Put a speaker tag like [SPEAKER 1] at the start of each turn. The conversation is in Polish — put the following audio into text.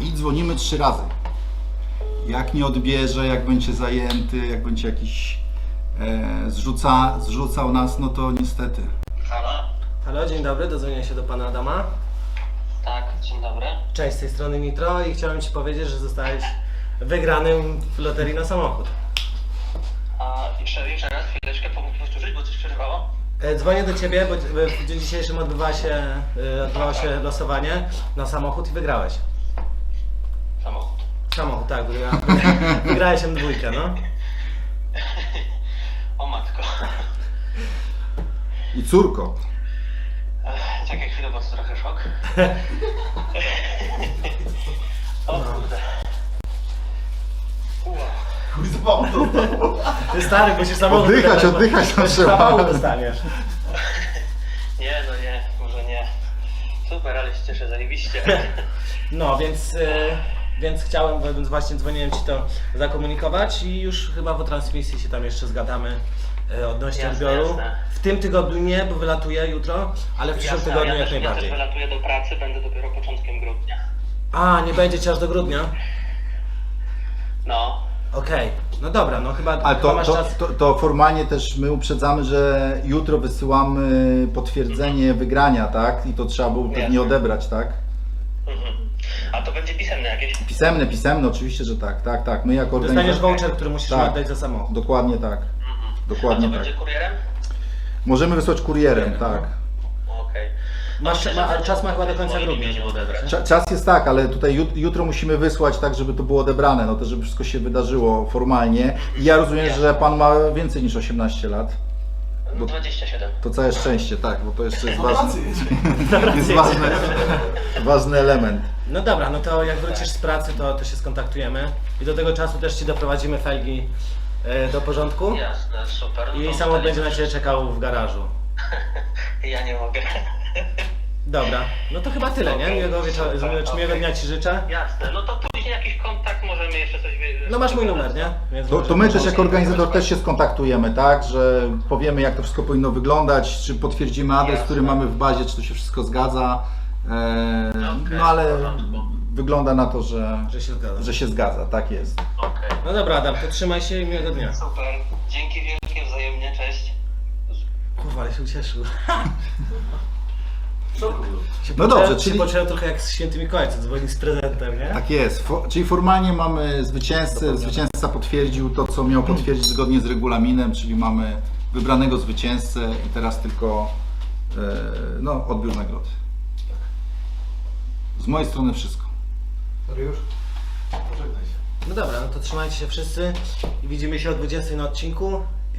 [SPEAKER 1] i dzwonimy 3 razy. Jak nie odbierze, jak będzie zajęty, jak będzie jakiś zrzucał nas, no to niestety.
[SPEAKER 2] Halo?
[SPEAKER 3] Halo, dzień dobry, dodzwonię się do pana Adama.
[SPEAKER 2] Tak, dzień dobry.
[SPEAKER 3] Cześć, z tej strony Nitro i chciałem ci powiedzieć, że zostałeś wygranym w loterii na samochód.
[SPEAKER 2] A jeszcze raz, chwileczkę, pomógł powtórzyć, bo coś przerywało?
[SPEAKER 3] Dzwonię do ciebie, bo w dniu dzisiejszym odbywało się losowanie na samochód i wygrałeś.
[SPEAKER 2] Samochód.
[SPEAKER 3] Samochód, tak, wygrałeś M2, no.
[SPEAKER 2] O matko.
[SPEAKER 1] I córko.
[SPEAKER 2] Czekaj chwilę, bo to trochę szok. O kurde.
[SPEAKER 3] Ty stary, bo się samochód...
[SPEAKER 1] Oddychać tam trzeba.
[SPEAKER 3] Samochód dostaniesz.
[SPEAKER 2] Nie, no nie, może nie. Super, ale się cieszę, zajebiście.
[SPEAKER 3] No, więc chciałem, więc właśnie dzwoniłem ci to zakomunikować i już chyba po transmisji się tam jeszcze zgadamy odnośnie
[SPEAKER 2] Jasne,
[SPEAKER 3] odbioru.
[SPEAKER 2] jasne.
[SPEAKER 3] W tym tygodniu nie, bo wylatuję jutro, ale w przyszłym
[SPEAKER 2] Jasne,
[SPEAKER 3] tygodniu
[SPEAKER 2] ja
[SPEAKER 3] jak
[SPEAKER 2] też
[SPEAKER 3] najbardziej.
[SPEAKER 2] wylatuję do pracy, będę dopiero początkiem grudnia.
[SPEAKER 3] A, nie będzie cię aż do grudnia?
[SPEAKER 2] No.
[SPEAKER 3] Okej, no dobra, no chyba,
[SPEAKER 1] Ale
[SPEAKER 3] chyba masz czas.
[SPEAKER 1] to formalnie też my uprzedzamy, że jutro wysyłamy potwierdzenie wygrania, tak? I to trzeba było pewnie
[SPEAKER 2] Jasne.
[SPEAKER 1] odebrać, tak?
[SPEAKER 2] Mhm. A to będzie pisemne jakieś?
[SPEAKER 1] Pisemne, oczywiście, że tak, tak. My jako
[SPEAKER 3] Dostaniesz
[SPEAKER 1] organizacja...
[SPEAKER 3] voucher, który musisz
[SPEAKER 1] Tak.
[SPEAKER 3] oddać za samochód.
[SPEAKER 1] Dokładnie tak.
[SPEAKER 2] A
[SPEAKER 1] Dokładnie
[SPEAKER 2] to
[SPEAKER 1] tak.
[SPEAKER 2] będzie kurierem?
[SPEAKER 1] Możemy wysłać kurierem, tak.
[SPEAKER 2] Okej.
[SPEAKER 3] Ale czas ma chyba do końca grudnia, żeby odebrać.
[SPEAKER 1] Czas jest tak, ale tutaj jutro musimy wysłać tak, żeby to było odebrane, no to żeby wszystko się wydarzyło formalnie. I ja rozumiem, że pan ma więcej niż 18 lat.
[SPEAKER 2] No 27.
[SPEAKER 1] To całe szczęście, tak, bo to jeszcze jest
[SPEAKER 3] Pracy
[SPEAKER 1] ważny element.
[SPEAKER 3] No dobra, no to jak wrócisz z pracy, to się skontaktujemy i do tego czasu też ci doprowadzimy felgi do porządku
[SPEAKER 2] Jasne, super. No
[SPEAKER 3] i
[SPEAKER 2] to
[SPEAKER 3] samochód
[SPEAKER 2] wtedy-
[SPEAKER 3] będzie na ciebie czekał w garażu.
[SPEAKER 2] Ja nie mogę.
[SPEAKER 3] Dobra, no to chyba tyle, nie? Miłego wieczoru, czy miłego dnia ci życzę.
[SPEAKER 2] Jasne, no to później jakiś kontakt, możemy jeszcze coś...
[SPEAKER 3] No masz mój numer, nie? Więc
[SPEAKER 1] To my też jako organizator też się skontaktujemy, tak, że powiemy jak to wszystko powinno wyglądać, czy potwierdzimy adres, który mamy w bazie, czy to się wszystko zgadza.
[SPEAKER 2] Okej,
[SPEAKER 1] No ale
[SPEAKER 2] w porządku.
[SPEAKER 1] wygląda na to, że
[SPEAKER 3] że się zgadza.
[SPEAKER 1] zgadza, tak jest.
[SPEAKER 2] Okej.
[SPEAKER 3] No dobra Adam, to trzymaj się i miłego dnia.
[SPEAKER 2] Super, dzięki wielkie, wzajemnie, cześć.
[SPEAKER 3] Kurwa, ale się ucieszył.
[SPEAKER 1] No dobrze,
[SPEAKER 3] Czyli
[SPEAKER 1] czyli
[SPEAKER 3] poczułem trochę jak z Święty Mikołaj, co dzwoni z prezentem, nie?
[SPEAKER 1] tak jest. Czyli formalnie mamy zwycięzcę, zwycięzca potwierdził to, co miał potwierdzić zgodnie z regulaminem, czyli mamy wybranego zwycięzcę i teraz tylko no, odbiór nagrody. Z mojej strony wszystko.
[SPEAKER 4] Już? Pożegnaj się.
[SPEAKER 3] No dobra, no to trzymajcie się wszyscy i widzimy się o 20 na odcinku